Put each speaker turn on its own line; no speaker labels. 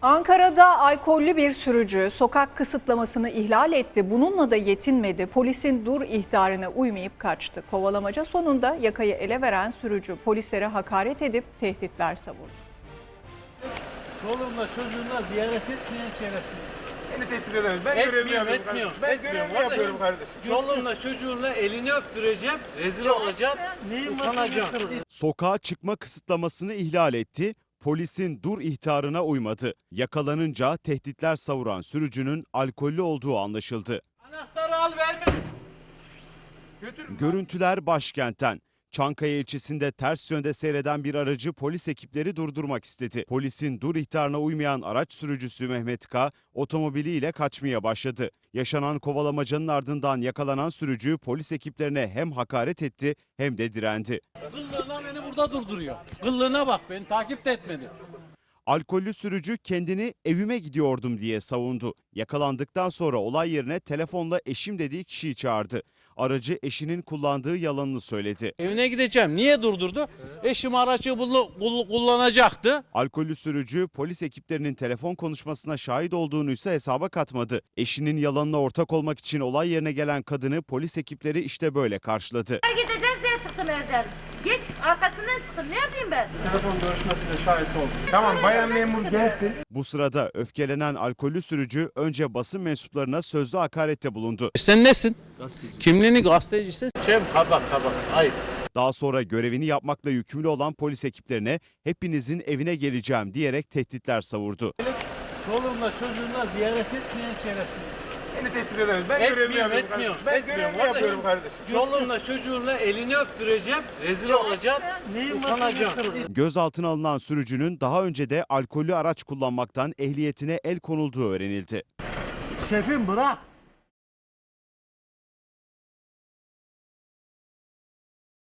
Ankara'da alkollü bir sürücü sokak kısıtlamasını ihlal etti. Bununla da yetinmedi. Polisin dur ihtarına uymayıp kaçtı. Kovalamaca sonunda yakayı ele veren sürücü polislere hakaret edip tehditler savurdu.
Çoluğumla çocuğumla ziyaret etmeyen şerefsiz.
Beni tehdit edemez. Ben görevimi yapıyorum kardeşim. Ben görevimi yapıyorum kardeşim.
Çoluğumla çocuğumla elini öptüreceğim, rezil olacağım, utanacağım.
Sokağa çıkma kısıtlamasını ihlal etti. Polisin dur ihtarına uymadı. Yakalanınca tehditler savuran sürücünün alkollü olduğu anlaşıldı.
Anahtarı al verme.
Görüntüler başkentten. Çankaya ilçesinde ters yönde seyreden bir aracı polis ekipleri durdurmak istedi. Polisin dur ihtarına uymayan araç sürücüsü Mehmet K. otomobiliyle kaçmaya başladı. Yaşanan kovalamacanın ardından yakalanan sürücü polis ekiplerine hem hakaret etti hem de direndi.
Kıllığına beni burada durduruyor. Kıllığına bak, beni takip de etmedi.
Alkollü sürücü kendini evime gidiyordum diye savundu. Yakalandıktan sonra olay yerine telefonla eşim dediği kişiyi çağırdı. Aracı eşinin kullandığı yalanını söyledi.
Evine gideceğim. Niye durdurdu? Eşim aracı kullanacaktı.
Alkollü sürücü polis ekiplerinin telefon konuşmasına şahit olduğunu ise hesaba katmadı. Eşinin yalanına ortak olmak için olay yerine gelen kadını polis ekipleri işte böyle karşıladı.
Gideceğiz diye çıktım Ercan. Git arkasından çıktım. Ne yapayım ben?
Telefon görüşmesine şahit oldum. Tamam, bayan memur gelsin.
Bu sırada öfkelenen alkollü sürücü önce basın mensuplarına sözlü hakarette bulundu.
Sen nesin? Gazeteci. Kimliğini gazeteciysen kabak. Hayır.
Daha sonra görevini yapmakla yükümlü olan polis ekiplerine hepinizin evine geleceğim diyerek tehditler savurdu.
Çoluğumla çocuğumla ziyaret etmeyen şerefsiz.
Beni tehdit edemez. Ben görevimi yapıyorum kardeşim. Ben görevimi yapıyorum kardeşim.
Çoluğumla çocuğumla elini öptüreceğim, rezil olacağım, utanacağım.
Gözaltına alınan sürücünün daha önce de alkollü araç kullanmaktan ehliyetine el konulduğu öğrenildi.
Şefim bırak.